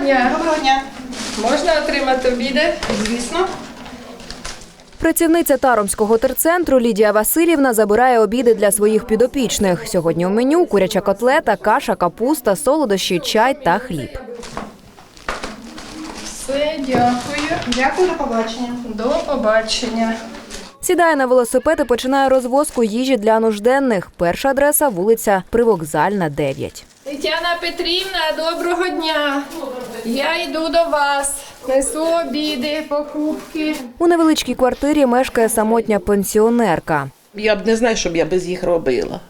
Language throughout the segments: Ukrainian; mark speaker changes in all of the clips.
Speaker 1: дня.
Speaker 2: Доброго дня.
Speaker 1: Можна отримати обіди?
Speaker 2: Звісно.
Speaker 3: Працівниця Таромського терцентру Лідія Васильівна забирає обіди для своїх підопічних. Сьогодні у меню куряча котлета, каша, капуста, солодощі, чай та хліб.
Speaker 1: Все, дякую.
Speaker 2: Дякую, до побачення.
Speaker 1: До побачення.
Speaker 3: Сідає на велосипед і починає розвозку їжі для нужденних. Перша адреса – вулиця Привокзальна, 9.
Speaker 1: Тетяна Петрівна, доброго дня. Я йду до вас. Несу обіди, покупки.
Speaker 3: У невеличкій квартирі мешкає самотня пенсіонерка.
Speaker 4: Я б не знаю, що б я без їх робила.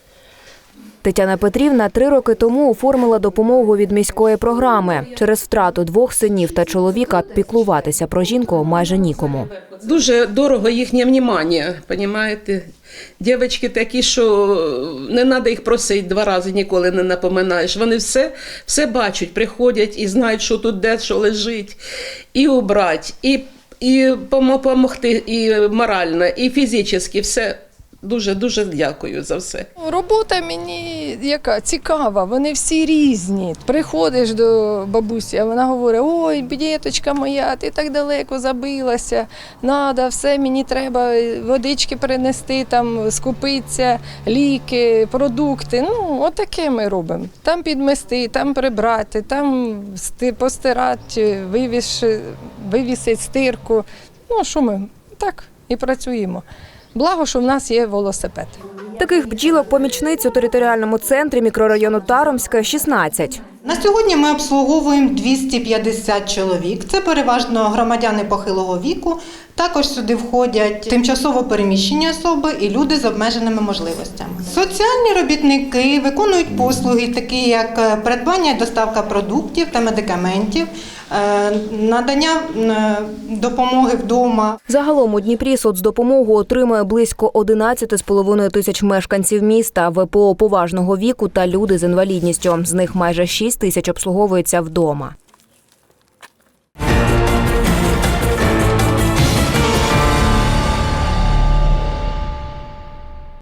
Speaker 3: Тетяна Петрівна 3 роки тому оформила допомогу від міської програми. Через втрату 2 синів та чоловіка піклуватися про жінку майже нікому.
Speaker 4: Дуже дорого їхнє внимання, розумієте? Дівчатки такі, що не треба їх просити 2 рази, ніколи не напоминаєш. Вони все бачать, приходять і знають, що тут де, що лежить. І убрати, і допомогти, і морально, і фізично, все. Дуже дякую за все.
Speaker 1: Робота мені яка цікава, вони всі різні. Приходиш до бабусі, а вона говорить: ой, діточка моя, ти так далеко забилася, надо, все, мені треба водички принести, там, скупитися, ліки, продукти. Ну, отаке ми робимо. Там підмести, там прибрати, там постирати, вивісити стирку. Ну, що ми так і працюємо. Благо, що в нас є велосипед.
Speaker 3: Таких бджілок-помічниць у територіальному центрі мікрорайону Таромська 16.
Speaker 2: На сьогодні ми обслуговуємо 250 чоловік. Це переважно громадяни похилого віку. Також сюди входять тимчасово переміщені особи і люди з обмеженими можливостями. Соціальні робітники виконують послуги, такі як придбання і доставка продуктів та медикаментів, надання допомоги вдома.
Speaker 3: Загалом у Дніпрі соцдопомогу отримує близько 11,5 тисяч мешканців міста, ВПО поважного віку та люди з інвалідністю. З них майже 6 тисяч обслуговуються вдома.